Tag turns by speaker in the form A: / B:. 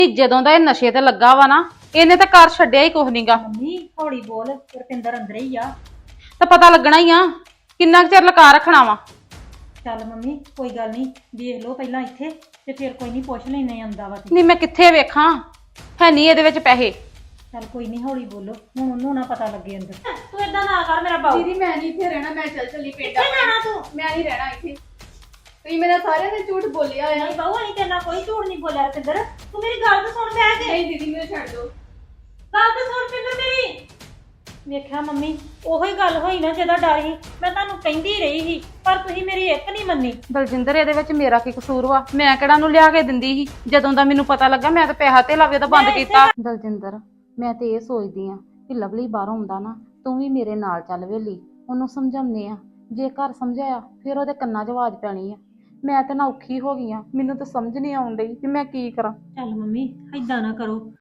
A: ਜਦੋਂ ਦਾ ਇਹ ਨਸ਼ੇ ਤੇ ਲੱਗਾ ਵਾ ਨਾ, ਇਹਨੇ ਤਾਂ ਘਰ ਛੱਡਿਆ ਹੀ ਕੁਛ ਨਹੀਂਗਾ।
B: ਮੰਮੀ ਹੌਲੀ ਬੋਲ, ਰੁਪਿੰਦਰ ਅੰਦਰ ਹੀ ਆ।
A: ਤਾਂ ਪਤਾ ਲੱਗਣਾ ਹੀ ਆ, ਕਿੰਨਾ ਕੁ ਚਿਰ ਲਕਾ ਰੱਖਣਾ ਵਾ।
B: ਚੱਲ ਮੰਮੀ ਕੋਈ ਗੱਲ ਨਹੀਂ, ਵੇਖ ਲਓ ਪਹਿਲਾਂ ਇੱਥੇ ਤੇ ਫਿਰ ਕੋਈ ਨਹੀਂ ਪੁੱਛ ਲੈਨੇ ਆਉਂਦਾ ਵਾ ਤੇ।
A: ਨਹੀਂ ਮੈਂ ਕਿੱਥੇ ਵੇਖਾਂ, ਹੈ ਨਹੀਂ ਇਹਦੇ ਵਿੱਚ ਪੈਸੇ।
B: ਚੱਲ ਕੋਈ ਨਹੀਂ ਹੌਲੀ ਬੋਲੋ, ਹੁਣ ਉਹਨੂੰ ਨਾ ਪਤਾ ਲੱਗੇ ਅੰਦਰ। ਤੂੰ ਏਦਾਂ ਨਾ ਕਰ ਮੇਰਾ ਬਾਊ।
C: ਦੀਦੀ ਮੈਂ ਨਹੀਂ ਇੱਥੇ ਰਹਿਣਾ, ਮੈਂ ਚੱਲੀ ਪਿੰਡ
B: ਕਿੱਥੇ ਜਾਣਾ ਤੂੰ?
C: ਮੈਂ ਨਹੀਂ ਰਹਿਣਾ ਇੱਥੇ। ਤੁਸੀਂ ਮੇਰਾ ਸਾਰਿਆਂ ਨੇ ਝੂਠ ਬੋਲਿਆ ਆ।
B: ਨਹੀਂ ਬਾਊ, ਅਸੀਂ ਤੇਰੇ ਨਾਲ ਕੋਈ ਝੂਠ ਨਹੀਂ ਬੋਲਿਆ ਰੁਪਿੰਦਰ। ਤੂੰ ਮੇਰੀ ਗੱਲ ਤਾਂ ਸੁਣ ਬਹਿ ਕੇ।
C: ਨਹੀਂ ਦੀਦੀ ਮੈਨੂੰ ਛੱਡ ਦਿਓ।
B: ਗੱਲ ਤਾਂ ਸੁਣ ਰੁਪਿੰਦਰ ਮੇਰੀ। ਵੇਖਿਆ ਮੰਮੀ, ਉਹੀ ਗੱਲ ਹੋਈ ਨਾ ਜਿਹਦਾ ਡਰ ਸੀ। ਮੈਂ ਤੁਹਾਨੂੰ ਕਹਿੰਦੀ ਰਹੀ ਸੀ ਪਰ ਤੁਸੀਂ ਮੇਰੀ ਇੱਕ ਨਹੀਂ ਮੰਨੀ।
A: ਦਲਜਿੰਦਰ ਇਹਦੇ ਵਿੱਚ ਮੇਰਾ ਕੀ ਕਸੂਰ ਵਾ? ਮੈਂ ਕਿਹੜਾ ਨੂੰ ਲਿਆ ਕੇ ਦਿੰਦੀ ਸੀ? ਜਦੋਂ ਦਾ ਮੈਨੂੰ ਪਤਾ ਲੱਗਾ ਮੈਂ ਤਾਂ ਪੈਸਾ ਤੇ ਲਾਵੇ ਤਾਂ ਬੰਦ
B: ਮੈਂ
A: ਕੀਤਾ। ਦਲਜਿੰਦਰ ਮੈਂ ਤੇ ਇਹ ਸੋਚਦੀ ਆ ਕਿ ਲਵਲੀ ਬਾਹਰੋਂ ਆਉਂਦਾ ਨਾ, ਤੂੰ ਵੀ ਮੇਰੇ ਨਾਲ ਚੱਲ ਵੇਲੀ, ਉਹਨੂੰ ਸਮਝਾਉਂਦੇ ਆ। ਜੇ ਘਰ ਸਮਝਾਇਆ ਫਿਰ ਉਹਦੇ ਕੰਨਾਂ 'ਚ ਆਵਾਜ਼ ਪੈਣੀ ਆ। ਮੈਂ ਤਾਂ ਨਾ ਔਖੀ ਹੋ ਗਈ ਆ, ਮੈਨੂੰ ਤਾਂ ਸਮਝ ਨਹੀਂ ਆਉਣ ਡਈ ਕਿ ਮੈਂ ਕੀ ਕਰਾਂ।
B: ਚੱਲ ਮੰਮੀ ਏਦਾਂ ਨਾ ਕਰੋ,